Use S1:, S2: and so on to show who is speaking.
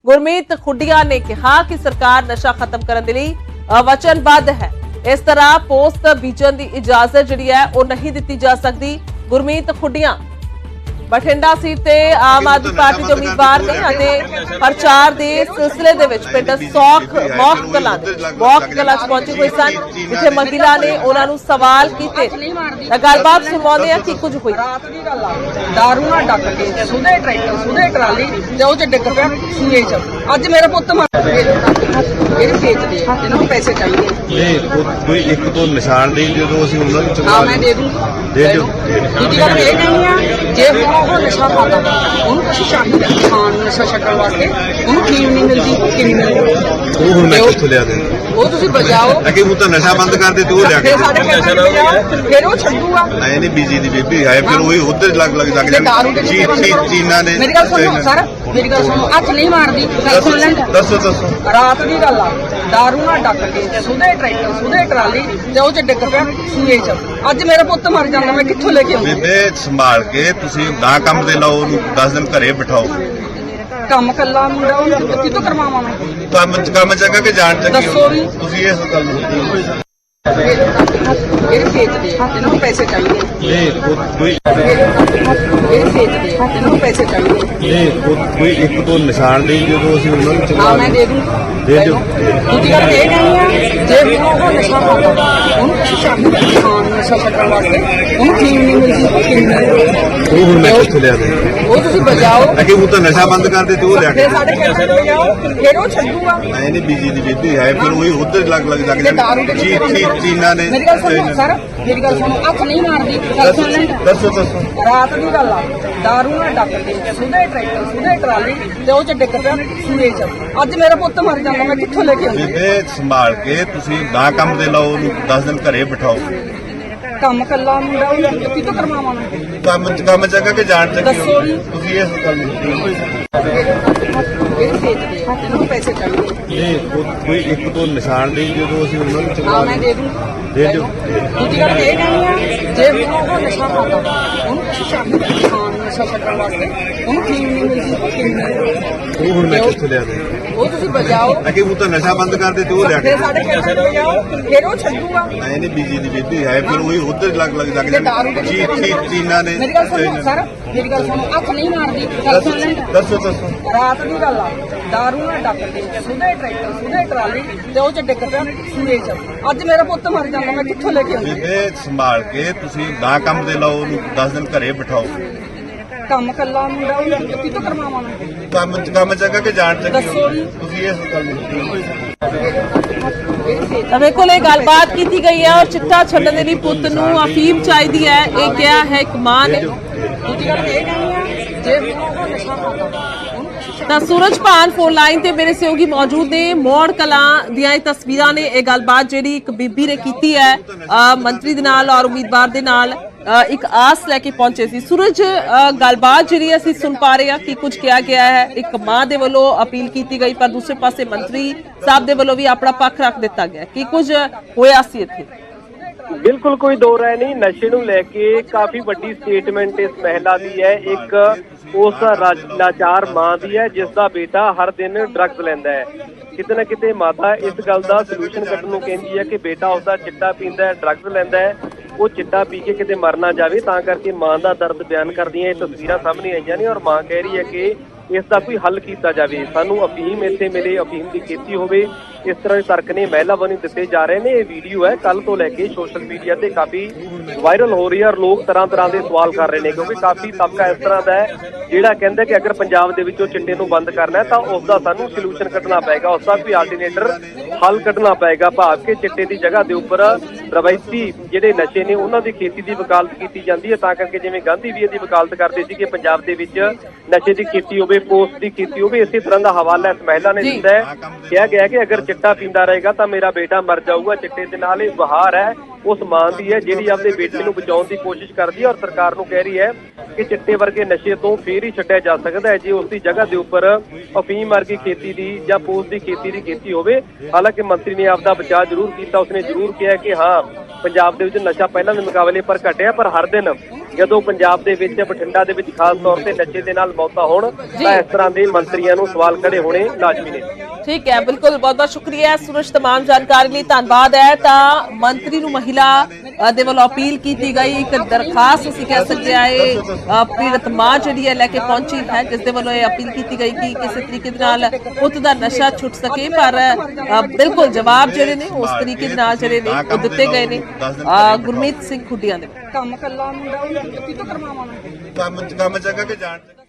S1: ਗੁਰਮੀਤ ਖੁੱਡੀਆਂ ਨੇ ਕਿਹਾ ਕਿ ਸਰਕਾਰ ਨਸ਼ਾ ਖਤਮ ਕਰਨ ਦੇ ਲਈ ਵਚਨਬੱਧ ਹੈ। ਇਸ ਤਰ੍ਹਾਂ ਪੋਸਟ ਬੀਜਣ ਦੀ ਇਜਾਜ਼ਤ ਜਿਹੜੀ ਹੈ ਉਹ ਨਹੀਂ ਦਿੱਤੀ ਜਾ ਸਕਦੀ। ਗੁਰਮੀਤ ਖੁੱਡੀਆਂ ਬਠਿੰਡਾ ਸੀਟ ਤੇ ਆਮ ਆਦਮੀ ਪਾਰਟੀ ਦੇ ਉਮੀਦਵਾਰ ਨੇ ਅਤੇ ਪ੍ਰਚਾਰ ਦੇ ਸਿਲਸਿਲੇ ਦੇ ਵਿੱਚ ਪਿੰਡ ਮੌਕ ਕਲਾਂ ਚ ਪਹੁੰਚੇ ਹੋਏ ਸਨ, ਜਿੱਥੇ ਮਹਿਲਾ ਨੇ ਉਹਨਾਂ ਨੂੰ ਸਵਾਲ ਕੀਤੇ ਤਾਂ ਗੱਲਬਾਤ ਸੁਣਵਾਉਂਦੇ ਆ ਕੀ ਕੁਝ ਹੋਈ।
S2: ਰਾਤ ਦੀ ਗੱਲ ਆ, ਦਾਰੂ ਨਾਲ ਡੱਕ ਕੇ ਸੁਦੇ ਟਰੈਕਟਰ ਸੁਦੇ ਟਰਾਲੀ ਤੇ ਉਹ ਚ ਡਿੱਗ ਪਿਆ ਸੂਏ ਚ। ਅੱਜ ਮੇਰਾ ਪੁੱਤ ਮਰ ਇਹ ਵੇਚਦੇ ਇਹਨਾਂ ਨੂੰ ਪੈਸੇ ਚਾਹੀਦੇ
S3: ਕੋਈ ਇੱਕ ਤੋਂ ਨਿਸ਼ਾਨ ਦੇ ਜਦੋਂ ਅਸੀਂ ਉਹਨਾਂ ਨੂੰ
S2: ਹਾਂ ਮੈਂ ਦੇ ਦੂੰ
S3: ਦੇ ਦਿਓ।
S2: ਦੂਜੀ ਗੱਲ ਇਹ ਕਹਿੰਦੀ ਆ ਜੇ ਹੁਣ ਉਹ ਨਸ਼ਾ ਖਾਂਦਾ ਉਹਨੂੰ ਕੁਛ ਚਾਹੀਦਾ ਖਾਣ ਨਸ਼ਾ ਛੱਡਣ ਵਾਸਤੇ, ਉਹਨੂੰ ਫੀਮ ਨਹੀਂ ਮਿਲਦੀ ਕਿੰਨੀ ਮਿਲਦੀ
S3: ਉਹ ਹੁਣ ਮੈਂ ਕਿੱਥੋਂ ਲਿਆ ਦੇ
S2: ਉਹ ਤੁਸੀਂ ਬਚਾਓ।
S3: ਅੱਗੇ ਉਹ ਤਾਂ ਨਸ਼ਾ ਬੰਦ ਕਰ ਦੇ ਤੇ ਉਹ ਲਿਆ ਕੇ
S2: ਫਿਰ ਸਾਡੇ ਪੈਸੇ ਬਚਾਓ, ਫਿਰ ਉਹ ਛੱਡੂਗਾ।
S3: ਆਏ ਨਹੀਂ ਬੀਜੀ ਦੀ ਬੇਬੀ ਆਏ ਫਿਰ ਉਹੀ ਉਧਰ ਲੱਗ
S2: ਤੇ ਦਾਰੂ ਦੇ
S3: ਚੀਨਾ ਨੇ।
S2: ਮੇਰੀ ਗੱਲ ਸੁਣੋ ਸਰ, ਮੇਰੀ ਗੱਲ ਸੁਣੋ, ਹੱਥ ਨਹੀਂ ਮਾਰਦੀ ਗੱਲ ਸੁਣ ਲੈਣ।
S3: ਦੱਸੋ
S2: ਰਾਤ ਦੀ ਗੱਲ ਆ, ਦਾਰੂ ਨਾਲ ਡੱਕ ਕੇ ਸੁਦੇ ਟਰੈਕਟਰ ਸੁਦੇ ਟਰਾਲੀ ਤੇ ਉਹ ਚ ਡਿੱਗ ਪਿਆ ਸੂਏ ਚ। ਅੱਜ ਮੇਰਾ ਪੁੱਤ ਮਰ ਜਾਂਦਾ, ਮੈਂ ਕਿੱਥੋਂ ਲੈ ਕੇ ਆਉਂਦਾ?
S3: ਬੇਬੇ ਸੰਭਾਲ ਕੇ ਤੁਸੀਂ ਨਾ ਕੰਮ ਦੇ ਲਾਓ, ਉਹਨੂੰ 10 ਦਿਨ ਘਰੇ ਬਿਠਾਓ।
S2: ਕੰਮ ਕੱਲਾ ਮੁੰਡਾ ਉਹ ਕਿਤੋਂ ਕਰਵਾਵਾਂ ਮੈਂ?
S3: ਕੰਮ ਚੰਗਾ ਕਿ ਜਾਣ ਚੱਕੀ
S2: ਦੱਸੋ ਵੀ।
S3: ਤੁਸੀਂ ਇਸ ਗੱਲ ਨੂੰ
S2: ਇਹ ਵੇਚਦੇ ਇਹਨਾਂ ਨੂੰ ਪੈਸੇ ਚਾਹੀਦੇ
S3: ਕੋਈ
S2: ਇਹ ਵੇਚਦੇ ਇਹਨਾਂ ਨੂੰ ਪੈਸੇ ਚਾਹੀਦੇ
S3: ਕੋਈ ਇੱਕ ਤੋਂ ਨਿਸ਼ਾਨ ਦੇ ਜਦੋਂ ਅਸੀਂ ਉਹਨਾਂ ਨੂੰ
S2: ਹਾਂ ਮੈਂ ਦੇ ਦੂੰ
S3: ਦੇ ਦਿਓ।
S2: ਦੂਜੀ ਗੱਲ ਇਹ ਕਹਿੰਦੀ ਆ ਜੇ ਹੁਣ ਉਹ ਨਸ਼ਾ ਖਾਂਦਾ ਉਹਨੂੰ ਕੁਛ ਚਾਹੀਦਾ ਖਾਣ ਨਸ਼ਾ ਛੱਡਣ ਵਾਸਤੇ, ਉਹਨੂੰ ਫੀਮ ਨਹੀਂ ਮਿਲਦੀ ਕਿੰਨੀ ਮਿਲਦੀ
S3: ਉਹ ਹੁਣ ਮੈਂ ਕਿੱਥੋਂ ਲਿਆ ਦੇ
S2: ਉਹ ਤੁਸੀਂ ਬਚਾਓ।
S3: ਅੱਗੇ ਉਹ ਤਾਂ ਨਸ਼ਾ ਬੰਦ ਕਰ ਦੇ ਤੇ ਉਹ ਲਿਆ ਕੇ
S2: ਫਿਰ ਸਾਡੇ ਪੈਸੇ ਬਚਾਓ, ਫਿਰ ਉਹ ਛੱਡੂਗਾ।
S3: ਆਏ ਨਹੀਂ ਬੀਜੀ ਦੀ ਬੇਬੀ ਆਏ ਫਿਰ ਉਹੀ ਉਧਰ ਲੱਗ
S2: ਦਾਰੂ ਦੇ
S3: ਚੀਨਾ ਨੇ।
S2: ਮੇਰੀ ਗੱਲ ਸੁਣੋ ਸਰ, ਮੇਰੀ ਗੱਲ ਸੁਣੋ, ਹੱਥ ਨਹੀਂ ਮਾਰਦੀ ਗੱਲ ਸੁਣ ਲੈਣ।
S3: ਦੱਸੋ
S2: ਰਾਤ ਦੀ ਗੱਲ ਆ, ਦਾਰੂ ਨਾਲ ਡੱਕ ਕੇ ਸੁਦੇ ਟਰੈਕਟਰ ਸੁਦੇ ਟਰਾਲੀ ਤੇ ਉਹ ਚ ਡਿੱਗ ਪਿਆ ਸੂਏ ਚ। ਅੱਜ ਮੇਰਾ ਪੁੱਤ ਮਰ ਜਾਂਦਾ, ਮੈਂ ਕਿੱਥੋਂ ਲੈ ਕੇ ਆਉਂਦਾ?
S3: ਬੇਬੇ ਸੰਭਾਲ ਕੇ ਤੁਸੀਂ ਨਾ ਕੰਮ ਦੇ ਲਾਓ, ਉਹਨੂੰ 10 ਦਿਨ ਘਰੇ ਬਿਠਾਓ।
S2: ਕੰਮ ਕੱਲਾ ਮੁੰਡਾ ਉਹ ਕਿਤੋਂ ਕਰਵਾਵਾਂ ਮੈਂ?
S3: ਕੰਮ ਚੰਗਾ ਕਿ ਜਾਣ ਚੱਕੀ
S2: ਦੱਸੋ ਵੀ।
S3: ਤੁਸੀਂ ਇਸ ਗੱਲ ਨੂੰ
S2: ਇਹ ਵੇਚਦੇ ਇਹਨਾਂ ਨੂੰ ਪੈਸੇ ਚਾਹੀਦੇ
S3: ਕੋਈ ਇੱਕ ਤੋਂ ਨਿਸ਼ਾਨ ਦੇ ਜਦੋਂ ਅਸੀਂ ਉਹਨਾਂ ਨੂੰ
S2: ਹਾਂ ਮੈਂ ਦੇ ਦੂੰ
S3: ਦੇ ਦਿਓ।
S2: ਦੂਜੀ ਗੱਲ ਇਹ ਕਹਿੰਦੀ ਆ ਜੇ ਹੁਣ ਉਹ ਨਸ਼ਾ ਖਾਂਦਾ ਉਹਨੂੰ ਕੁਛ ਚਾਹੀਦਾ ਖਾਣ ਨਸ਼ਾ ਛੱਡਣ ਵਾਸਤੇ, ਉਹਨੂੰ ਫੀਮ ਨਹੀਂ ਮਿਲਦੀ ਕਿੰਨੀ ਮਿਲਦੀ
S3: ਉਹ ਹੁਣ ਮੈਂ ਕਿੱਥੋਂ ਲਿਆ ਦੇ
S2: ਉਹ ਤੁਸੀਂ ਬਚਾਓ।
S3: ਅੱਗੇ ਉਹ ਤਾਂ ਨਸ਼ਾ ਬੰਦ ਕਰ ਦੇ ਤੇ ਉਹ ਲਿਆ ਕੇ
S2: ਫਿਰ ਸਾਡੇ ਪੈਸੇ ਬਚਾਓ, ਫਿਰ ਉਹ ਛੱਡੂਗਾ।
S3: ਆਏ ਨਹੀਂ ਬੀਜੀ ਦੀ ਬੇਬੀ ਆਏ ਫਿਰ ਉਹੀ ਉਧਰ ਲੱਗ
S2: ਦਾਰੂ ਦੇ
S3: ਚੀਨਾ ਨੇ।
S2: ਮੇਰੀ ਗੱਲ ਸੁਣੋ ਸਰ, ਮੇਰੀ ਗੱਲ ਸੁਣੋ, ਹੱਥ ਨਹੀਂ ਮਾਰਦੀ ਗੱਲ ਸੁਣ ਲੈਣ।
S3: ਦੱਸੋ
S2: ਰਾਤ ਦੀ ਗੱਲ ਆ, ਦਾਰੂ ਨਾਲ ਡੱਕ ਕੇ ਸੁਦੇ ਟਰੈਕਟਰ ਸੁਦੇ ਟਰਾਲੀ ਤੇ ਉਹ ਚ ਡਿੱਗ ਪਿਆ ਸੂਏ ਚ। ਅੱਜ ਮੇਰਾ ਪੁੱਤ ਮਰ ਜਾਂਦਾ, ਮੈਂ ਕਿੱਥੋਂ ਲੈ ਕੇ ਆਉਂਦਾ?
S3: ਬੇਬੇ ਸੰਭਾਲ ਕੇ ਤੁਸੀਂ ਨਾ ਕੰਮ ਦੇ ਲਾਓ, ਉਹਨੂੰ 10 ਦਿਨ ਘਰੇ ਬਿਠਾਓ।
S2: ਕੰਮ ਕੱਲਾ ਮੁੰਡਾ ਉਹ ਕਿਤੋਂ ਕਰਵਾਵਾਂ ਮੈਂ?
S3: ਕੰਮ ਚੰਗਾ ਕਿ ਜਾਣ ਚੱਕੀ
S2: ਦੱਸੋ ਵੀ।
S3: ਤੁਸੀਂ ਇਸ ਗੱਲ ਨੂੰ
S1: ਤਾਂ ਮੇਰੇ ਕੋਲ ਇਹ ਗੱਲਬਾਤ ਕੀਤੀ ਗਈ ਹੈ ਔਰ ਚਿੱਟਾ ਛੱਡਣ ਦੇ ਲਈ ਪੁੱਤ ਨੂੰ ਅਫੀਮ ਚਾਹੀਦੀ ਹੈ, ਇਹ ਕਿਹਾ ਹੈ ਇੱਕ ਮਾਂ ਨੇ।
S2: ਦੂਜੀ ਗੱਲ ਇਹ ਕਹਿੰਦੀ ਆ ਜੇ ਹੁਣ ਉਹ ਨਸ਼ਾ ਖਾਂਦਾ ਉਹਨੂੰ ਕੁਛ
S1: ਤਾਂ ਸੂਰਜਪਾਨ ਫੋਨ ਲਾਈਨ ਤੇ ਮੇਰੇ ਸਹਿਯੋਗੀ ਮੌਜੂਦ ਨੇ। ਮੌੜ ਕਲਾਂ ਦੀਆਂ ਇਹ ਤਸਵੀਰਾਂ ਨੇ, ਇਹ ਗੱਲਬਾਤ ਜਿਹੜੀ ਇੱਕ ਬੀਬੀ ਨੇ ਕੀਤੀ ਹੈ ਮੰਤਰੀ ਦੇ ਨਾਲ ਔਰ ਉਮੀਦਵਾਰ ਦੇ ਨਾਲ ਇੱਕ ਆਸ ਲੈ ਕੇ ਪਹੁੰਚੇ ਸੀ। ਸੂਰਜ, ਗੱਲਬਾਤ ਜਿਹੜੀ ਅਸੀਂ ਸੁਣ ਪਾ ਰਹੇ ਹਾਂ ਕਿ ਕੁਝ ਕਿਹਾ ਗਿਆ ਹੈ, ਇੱਕ ਮਾਂ ਦੇ ਵੱਲੋਂ ਅਪੀਲ ਕੀਤੀ ਗਈ ਪਰ ਦੂਸਰੇ ਪਾਸੇ ਮੰਤਰੀ ਸਾਹਿਬ ਦੇ ਵੱਲੋਂ ਵੀ ਆਪਣਾ ਪੱਖ ਰੱਖ ਦਿੱਤਾ ਗਿਆ। ਕੀ ਕੁਝ ਹੋਇਆ ਸੀ ਇੱਥੇ?
S4: ਬਿਲਕੁਲ ਕੋਈ ਦੋ ਰਾਏ ਨਹੀਂ। ਨਸ਼ੇ ਨੂੰ ਲੈ ਕੇ ਕਾਫੀ ਵੱਡੀ ਸਟੇਟਮੈਂਟ ਇਸ ਮਹਿਲਾ ਦੀ ਹੈ, ਇੱਕ ਉਸ ਲਾਚਾਰ ਮਾਂ ਦੀ ਹੈ ਜਿਸ ਦਾ ਬੇਟਾ ਹਰ ਦਿਨ ਡਰੱਗਸ ਲੈਂਦਾ ਹੈ। ਕਿਤੇ ਨਾ ਕਿਤੇ ਮਾਤਾ ਇਸ ਗੱਲ ਦਾ ਸੋਲੂਸ਼ਨ ਕੱਢਣ ਨੂੰ ਕਹਿੰਦੀ ਹੈ ਕਿ ਬੇਟਾ ਉਸਦਾ ਚਿੱਟਾ ਪੀਂਦਾ ਹੈ, ਡਰੱਗਸ ਲੈਂਦਾ ਹੈ, ਉਹ ਚਿੱਟਾ ਪੀ ਕੇ ਕਿਤੇ ਮਰ ਨਾ ਜਾਵੇ, ਤਾਂ ਕਰਕੇ ਮਾਂ ਦਾ ਦਰਦ ਬਿਆਨ ਕਰਦੀਆਂ ਇਹ ਤਸਵੀਰਾਂ ਸਾਹਮਣੇ ਆਈਆਂ ਨੇ। ਔਰ ਮਾਂ ਕਹਿ ਰਹੀ ਹੈ ਕਿ ਇਸ ਦਾ ਕੋਈ ਹੱਲ ਕੀਤਾ ਜਾਵੇ, ਸਾਨੂੰ ਅਫੀਮ ਇੱਥੇ ਮਿਲੇ, ਅਫੀਮ ਦੀ ਖੇਤੀ ਹੋਵੇ। ਇਸ ਤਰ੍ਹਾਂ ਦੇ ਤਰਕ ਨੇ ਮਹਿਲਾ ਵੱਲੋਂ ਦਿੱਤੇ ਜਾ ਰਹੇ ਨੇ। ਇਹ ਵੀਡੀਓ ਹੈ ਕੱਲ ਤੋਂ ਲੈ ਕੇ ਸੋਸ਼ਲ ਮੀਡੀਆ ਤੇ ਕਾਫੀ ਵਾਇਰਲ ਹੋ ਰਹੀ ਹੈ ਔਰ ਲੋਕ ਤਰ੍ਹਾਂ ਦੇ ਸਵਾਲ ਕਰ ਰਹੇ ਨੇ, ਕਿਉਂਕਿ ਕਾਫੀ ਤਬਕਾ ਇਸ ਤਰ੍ਹਾਂ ਦਾ ਹੈ ਜਿਹੜਾ ਕਹਿੰਦਾ ਕਿ ਅਗਰ ਪੰਜਾਬ ਦੇ ਵਿੱਚੋਂ ਚਿੱਟੇ ਨੂੰ ਬੰਦ ਕਰਨਾ ਹੈ ਤਾਂ ਉਸ ਦਾ ਸਾਨੂੰ ਸੋਲੂਸ਼ਨ ਕੱਢਣਾ ਪਏਗਾ, ਉਸ ਦਾ ਕੋਈ ਆਲਟਰਨੇਟਰ ਹੱਲ ਕੱਢਣਾ ਪਏਗਾ। ਭਾਵ ਕਿ ਚਿੱਟੇ ਦੀ ਜਗ੍ਹਾ ਦੇ ਉੱਪਰ ਰਵਾਇਤੀ ਜਿਹੜੇ ਨਸ਼ੇ ਨੇ ਉਹਨਾਂ ਦੀ ਖੇਤੀ ਦੀ ਵਕਾਲਤ ਕੀਤੀ ਜਾਂਦੀ ਹੈ, ਤਾਂ ਕਰਕੇ ਜਿਵੇਂ ਗਾਂਧੀ ਵੀ ਇਹਦੀ ਵਕਾਲਤ ਕਰਦੇ ਸੀ ਕਿ ਪੰਜਾਬ ਦੇ ਵਿੱਚ ਨਸ਼ੇ ਦੀ ਖੇਤੀ ਹੋਵੇ, ਪੋਸਟ ਦੀ ਖੇਤੀ ਹੋਵੇ। ਇਸੇ ਤਰ੍ਹਾਂ ਦਾ ਹਵਾਲਾ ਇਸ ਮਹਿਲਾ ਨੇ ਦਿੱਤਾ ਹੈ। ਕਿਹਾ ਗਿਆ ਕਿ ਅਗਰ ਚਿੱਟਾ ਪੀਂਦਾ ਰਹੇਗਾ ਤਾਂ ਮੇਰਾ ਬੇਟਾ ਮਰ ਜਾਊਗਾ ਚਿੱਟੇ ਦੇ ਨਾਲ। ਇਹ ਬਹਾਰ ਹੈ ਉਸ ਮਾਂ ਦੀ ਹੈ ਜਿਹੜੀ ਆਪਦੇ ਬੇਟੇ ਨੂੰ ਬਚਾਉਣ ਦੀ ਕੋਸ਼ਿਸ਼ ਕਰਦੀ ਹੈ ਔਰ ਸਰਕਾਰ ਨੂੰ ਕਹਿ ਰਹੀ ਹੈ ਕਿ ਚਿੱਟੇ ਵਰਗੇ ਨਸ਼ੇ ਤੋਂ ਫੇਰ ਹੀ ਛੱਡਿਆ ਜਾ ਸਕਦਾ ਹੈ ਜੇ ਉਸ ਦੀ ਜਗ੍ਹਾ ਦੇ ਉੱਪਰ ਅਫੀਮ ਵਰਗੀ ਖੇਤੀ ਦੀ ਜਾਂ ਪੋਸਟ ਦੀ ਖੇਤੀ ਹੋਵੇ। ਹਾਲਾਂਕਿ ਮੰਤਰੀ ਨੇ ਆਪਦਾ ਬਚਾਅ ਜ਼ਰੂਰ ਕੀਤਾ, ਉਸਨੇ ਜ਼ਰੂਰ ਕਿਹਾ ਕਿ ਹਾਂ ਪੰਜਾਬ ਦੇ ਵਿੱਚ ਨਸ਼ਾ ਪਹਿਲਾਂ ਦੇ ਮੁਕਾਬਲੇ ਪਰ ਘਟਿਆ, ਪਰ ਹਰ ਦਿਨ ਜਦੋਂ ਪੰਜਾਬ ਦੇ ਵਿੱਚ ਬਠਿੰਡਾ ਦੇ ਵਿੱਚ ਖਾਸ ਤੌਰ ਤੇ ਨਸ਼ੇ ਦੇ ਨਾਲ ਮੌਤਾਂ ਹੋਣ ਤਾਂ ਇਸ ਤਰ੍ਹਾਂ ਦੇ ਮੰਤਰੀਆਂ ਨੂੰ ਸਵਾਲ ਖੜੇ ਹੋਣੇ ਲਾਜ਼ਮੀ ਨੇ।
S1: ਠੀਕ ਹੈ, ਬਿਲਕੁਲ, ਬਹੁਤ ਬਹੁਤ ਸ਼ੁਕਰੀਆ ਸੂਰਜ, तमाम ਜਾਣਕਾਰੀ ਲਈ ਧੰਨਵਾਦ ਹੈ। ਤਾਂ ਮੰਤਰੀ ਨੂੰ ਮਹਿਲਾ ਦੇ ਵੱਲੋਂ ਅਪੀਲ ਕੀਤੀ ਗਈ, ਇੱਕ ਦਰਖਾਸਤ ਅਸੀਂ ਕਹਿ ਸਕਦੇ ਹਾਂ ਇਹ ਪੀੜਤ ਮਾਂ ਜਿਹੜੀ ਹੈ ਲੈ ਕੇ ਪਹੁੰਚੀ ਹੈ, ਜਿਸ ਦੇ ਵੱਲੋਂ ਇਹ ਅਪੀਲ ਕੀਤੀ ਗਈ ਕਿ ਕਿਸੇ ਤਰੀਕੇ ਦੇ ਨਾਲ ਪੁੱਤ ਦਾ ਨਸ਼ਾ ਛੁੱਟ ਸਕੇ। ਪਰ ਬਿਲਕੁਲ ਜਵਾਬ ਜਿਹੜੇ ਨੇ ਉਸ ਤਰੀਕੇ ਦੇ ਨਾਲ ਜਿਹੜੇ ਨੇ ਉਹ ਦਿੱਤੇ ਗਏ ਨੇ ਗੁਰਮੀਤ ਸਿੰਘ ਖੁੱਡੀਆਂ ਦੇ।
S2: ਕੰਮ ਕੱਲਾ ਮੁੰਡਾ ਉਹ ਕਿਤੋਂ ਕਰਵਾਵਾਂ
S3: ਕੰਮ ਜਗ੍ਹਾ ਕੇ ਜਾਣ